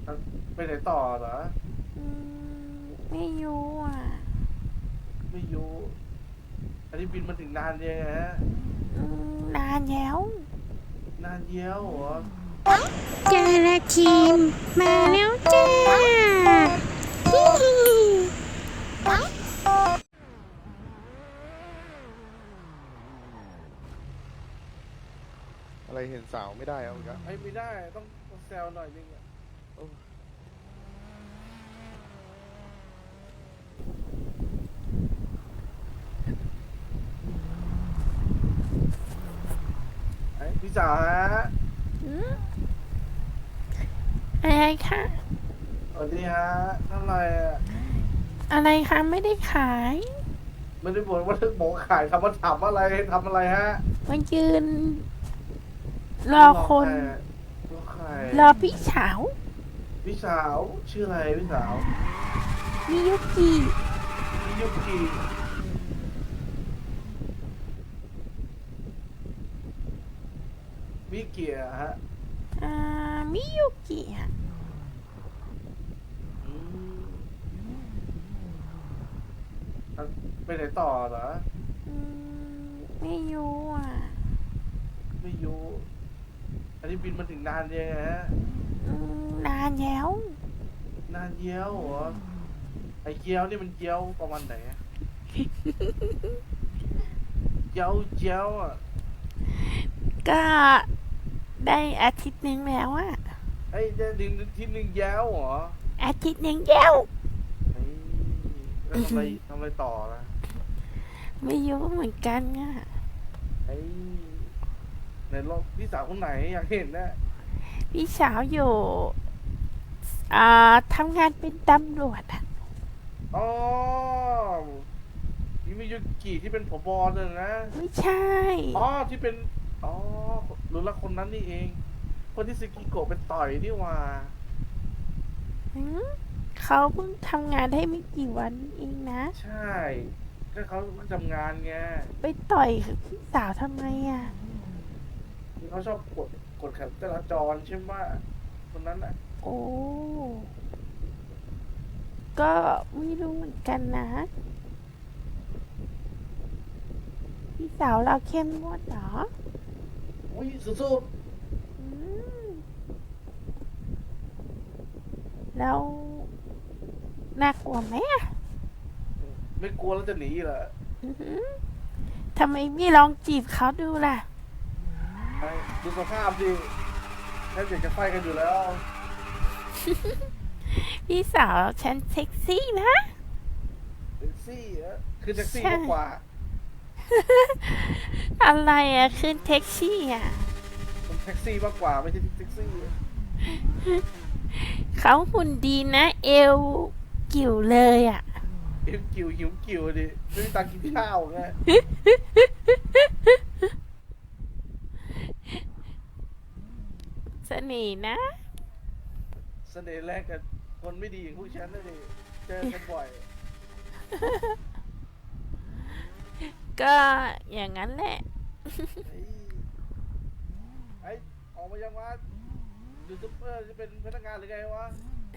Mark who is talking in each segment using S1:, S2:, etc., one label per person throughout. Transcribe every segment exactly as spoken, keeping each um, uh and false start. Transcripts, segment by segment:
S1: ไปไหนต่อเหรอ
S2: อืมไม่รู้อ่ะ
S1: ไม่รู้อันนี้บินมาถึงนานยังไงฮะ
S2: อืมนานแล้ว
S1: นานเยี้ยวเหรอ
S2: เจอละทีมมาแล้วจ้าฮิฮิ
S3: อะไรเห็นสาวไม่ได้เอาอีกแล้ว
S1: ไอ้ไม่ได้ต้องต้องแซวหน่อยนึงอะ
S3: โอ้
S1: ไอ้พี่จ๋าฮะ
S2: อืมอะไรคะ
S1: สวัสดีฮะทำไรอะ
S2: อะไรคะไม่ได้ขาย
S1: ไม่ได้บอกว่าบอกขายคำว่าถามอะไรทำอะไรฮะ
S2: มายืนรอคน
S1: รอใครรอใคร
S2: รอพี่สาว
S1: พี่สาวชื่ออะไรพี่สาว
S2: มิยุกิ
S1: มิยุกิมิเกียฮะ
S2: อ่ามิยุกิอ่ะ
S1: อืมไปไหนต่อเหรอ
S2: อืมไม่รู้อ่ะ
S1: ไม่รู้อันนี้บินมาถึงนานยังไงฮะ
S2: อืมนานแล้ว
S1: นานเยี้ยวเหรอไอ้เกี๊ยวนี่มันเกี๊ยวประมาณไหนอะเกี๊ยวเจียวอ่ะ
S2: ก็ได้อาทิตย์หนึ่งแล้วอ่ะ
S1: ไอ้เจะดึงที่หนึ่งแย้วเหรอ
S2: อาทิตย์หนึ่งแล้ว
S1: ไอ้แล้วทำอะไรทำอะไรต่อนะ
S2: ไม่รู้เหมือนกันอ่ะ
S1: ไอ้ในรถพี่สาวคนไหนอยากเห็นนะ
S2: พี่สาวอยู่อ่าทำงานเป็นตำรวจอ่ะ
S1: อ๋อมิมิยุกิที่เป็นผบเลยนะ
S2: ไม่ใช่
S1: อ๋อที่เป็นอ๋อรู้ละคนนั้นนี่เองคนที่ซึกิโกะเป็นต่อยนี่หว่า
S2: หืมเขาเพิ่งทำงานได้ไม่กี่วันเองนะ
S1: ใช่ก็เขาเพิ่งทำงานไง
S2: ไปต่อยพี่สาวทำไมอ่ะ
S1: ที่เขาชอบกดกดขันจราจรใช่ไหมคนนั้นอ่ะ
S2: โอ้ก็ไม่รู้เหมือนกันนะพี่สาวเราเข้มงวดเหรอ
S1: โอ้ยสุด
S2: อืมแล้วน่ากลัวไหมอ่ะ
S1: ๆไม่กลัวแล้วจะหนีเหรอ
S2: อือหือทำไมไม่ลองจีบเขาดูล่ะ
S1: ไอ้ดูสภาพดิแทบอยากจะไฟกันอยู่แล้ว
S2: พี่สาวฉันเซ็กซี่นะ
S1: แท็กซี่อะคือแท็กซี่
S2: ใช่
S1: มากกว่า
S2: อะไรอะขึ้นแท็กซี่อะ
S1: มันแท็กซี่มากกว่าไม่ใช่แท็กซี่
S2: เขาหุ่นดีนะเอวกิ่วเลยอะ
S1: หิวกิวหิวกิวดิไม่มีตังค์กินข้าวไง
S2: เสน่ห์นะ
S1: เสน่ห์แรกกับคนไม่ดีอย่างพวกฉันนะดิเจอกันบ่อย
S2: ก็อย่างนั้นแหละ
S1: ไอ้ไอ้ออกมายังวะยูทูบเบอร์จะเป็นพนักงานหรือไงวะ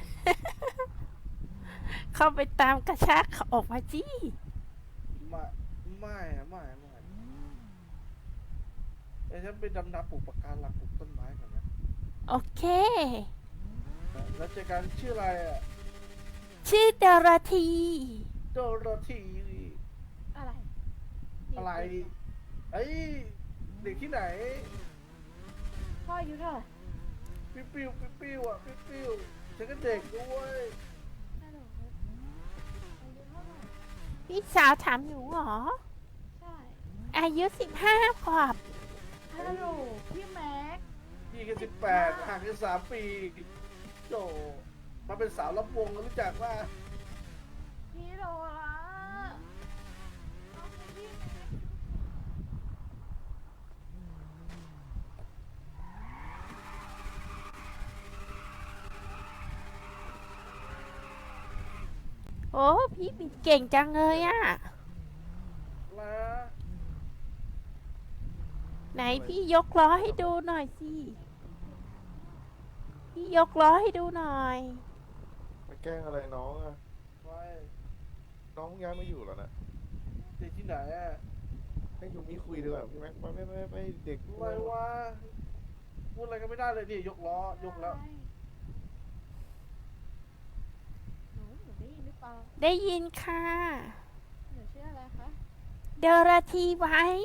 S2: เข้าไปตามกระชากเขาออกมาจี้
S1: ไม่ไม่อะไม่ไม่ไอ้ฉันไปดำนาปลูกปะการังปลูกต้นไม้ก่อนนะ
S2: โอเค
S1: แล้วเจอกันชื่ออะไรอะ
S2: ชื่อดาราธี
S1: โดโรธี
S2: อะไร
S1: อะไรไอ้ยเด็กที่ไหน
S2: พ่ออายุเท่าไหร่
S1: ปิ๊วปิ๊วปิ๊วปิ๊วอ่ะปิ๊วปิ๊วฉันก็เด็กด้วย
S2: พี่สาวถามหนูเหรอ
S4: ใช่
S2: อายุสิบห้าขวบ
S4: ฮัลโหลพี่แม็ก
S1: พี่แค่สิบแปดห่างกันสามปีโตมาเป็นสาวลำวงรู้จักว่า
S4: พี่โรละเอาไปพี่แม็ก
S2: โอ้พี่บิดเก่งจังเลยอะ
S1: แล้ว
S2: ไหนพี่ยกล้อให้ดูหน่อยสิ พี่พี่ยกล้อให้ดูหน่อย
S3: ไปแกล้งอะไรน้องอะ
S1: ไม่
S3: น้องเพิ่งย้ายมาอยู่เหรอนะ
S1: เด็กที่ไหนอะ
S3: ให้ยูมิคุยดีกว่าพี่แม็กไม่ไม่ไม่ไม่เด็ก
S1: อะไรวะพูดอะไรก็ไม่ได้เลยนี่ยกล้อยกแล้ว
S4: หนูหนูได้ยินหรือเปล่า
S2: ได้ยินค่ะ
S4: หนูชื่ออะไรคะ
S2: เดอราทีไว้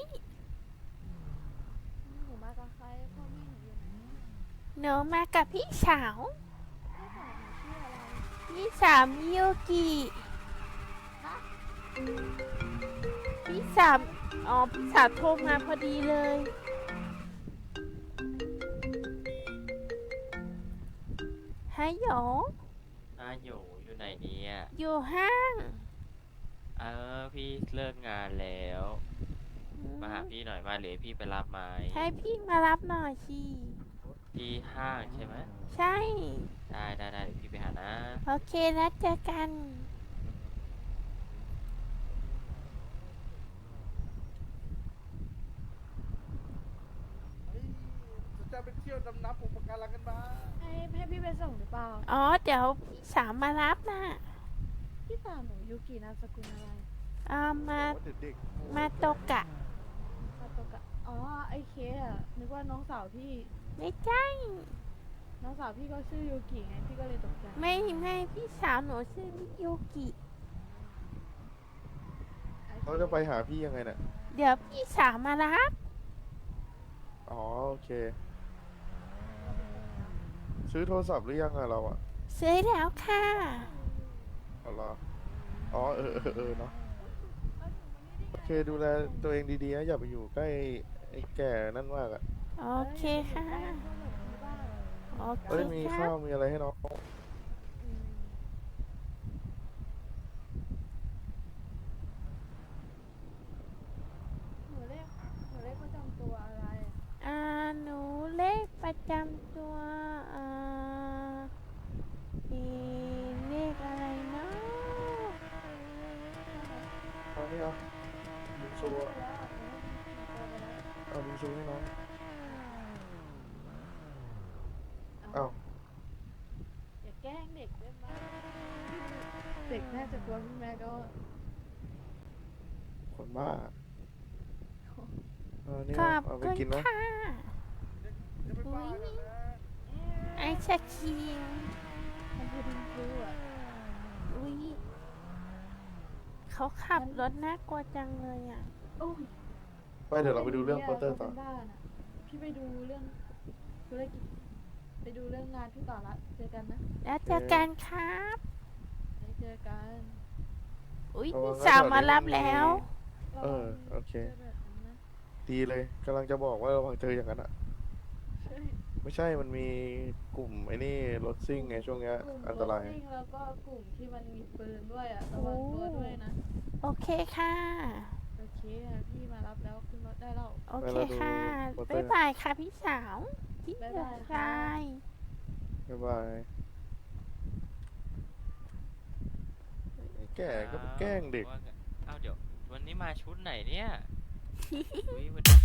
S4: หนูมากับใครพ่อแม่หนูอยู่ไหน
S2: หนูมากับพี่สาว
S4: พี่สาวหนูชื่ออะไร
S2: พี่สาวมิโยกิ
S4: คะ
S2: พี่สาวอ๋อพี่สาวโทรมาพอดีเลยฮัลโหล
S5: อาอยู่อยู่ไหนเนี่ย
S2: อยู่ห้าง
S5: เออพี่เลิกงานแล้ว มาหาพี่หน่อยมาหรือพี่ไปรับไหม
S2: ให้พี่มารับหน่อยสิ
S5: ที่ห้างใช่ไหม
S2: ใช่
S5: ได้ได้ได้เดี๋ยวพี่ไปหานะ
S2: โอเคแล้วเจอกัน
S1: เฮ้ยจะไปเที่ยวดำน้ำอุปการังกันมา
S4: ให้ให้พี่ไปส่งหรือเปล่า
S2: อ๋อ เดี๋ยวพี่สาวมารับนะ
S4: พี่สาวหนูยูกินามสกุลอะไร
S2: เอามา
S3: ว่าเด็กๆ
S2: มาโตกะ
S4: ซาโตกะอ๋อไอเคสอะนึกว่าน้องสาวพี่
S2: ไม่ใช่
S4: น้องสาวพี่ก็ชื่อยูกิไงพี่ก็เลยตกใจ
S2: ไม่ไม่พี่สาวหนูชื่อมิโยกิ
S3: เขาจะไปหาพี่ยังไงเนี่ย
S2: เดี๋ยวพี่สาวมารับ
S3: อ๋อโอเค ซื้อโทรศัพท์หรือยังอะเราอะ
S2: ซื้อแล้วค่ะ
S3: เอาเหรออ๋อเออเออเออเนาะโอเคดูแลตัวเองดีๆนะอย่าไปอยู่ใกล้ไอ้แก่นั่นมากอะ
S2: โอเคค่ะ โอเค
S3: เอ้ยมี
S2: ค
S3: ข้า
S2: รั
S3: ว
S2: บ
S3: มีอะไรให้น้อง
S4: หนูเลขหนูเลขประจำตัวอะไร
S2: อ่าหนูเลขประจำตัว อ่ามีเลขอะไรเนาะ
S3: เอานี่เอาบิงซูอะเอาบิงซูให้น้องเอ้า
S4: อย่าแกล้งเด็กได้ไหมเด็กน่าจะกลัวพี่แม่ก็
S3: คนบ้าเอานี่
S2: ขอ
S3: เอา
S2: บ
S3: เอาไป
S2: คุณ
S3: กินนะ
S2: ค่ะ
S1: จะไปบ้ากันนะ
S2: ไอศครีม
S4: มันคือดิงฟลูอ่ะ
S2: อุ้ยเขาขับรถน่ากลัวจังเลยอ่ะ
S4: โอ้ย
S3: ไปเดี๋ยวเราไปดูเรื่องโปสเตอร์ต่อ
S4: ป็นบ้านอะพี่ไปดูเรื่องธุรกิจไปดูเรื่องงานพี่ต่อละเจอกันนะ
S2: แล้วเจอกันครับ
S4: ได้เจอกัน
S2: อุ้ย
S3: ระวั
S2: พี่
S3: งนะ
S2: สาว
S3: แถวนี้
S2: มารับ
S3: มันมี
S2: แล้ว
S3: เออโอเค
S4: จแบบนั้นนะ
S3: ดีเลยกำลังจะบอกว่าระวังเจออย่างนั้นอะ
S4: ใช่
S3: ไม่ใช่มันมีกลุ่มไอ้นี่รถซิ่งไงช่วงเนี้ย
S4: กลุ่ม
S3: อันตราย
S4: ถซิ่งแล้วก็กลุ่มที่มันมีปืนด้วยอ่ะระวังตัวด้วยนะ
S2: โอเคค่ะ
S4: โอเคอะพี่มารับแล้วขึ้นรถได้แล้ว
S2: โอเคค่ะ
S3: ไปเราดูโปสเตอร์
S2: บ๊ายบายค่ะพี่สาว พี่
S4: บ๊าย
S2: เดื
S4: บา
S2: อย ด
S4: ค่ะ
S2: ชาย
S3: บ๊ายบายไอ้แก่ก็ไปแกล้งเด็ก
S5: ว่าไงเอ้าเดี๋ยว วันนี้มาชุดไหนเนี่ย อุ๊ยวันนี้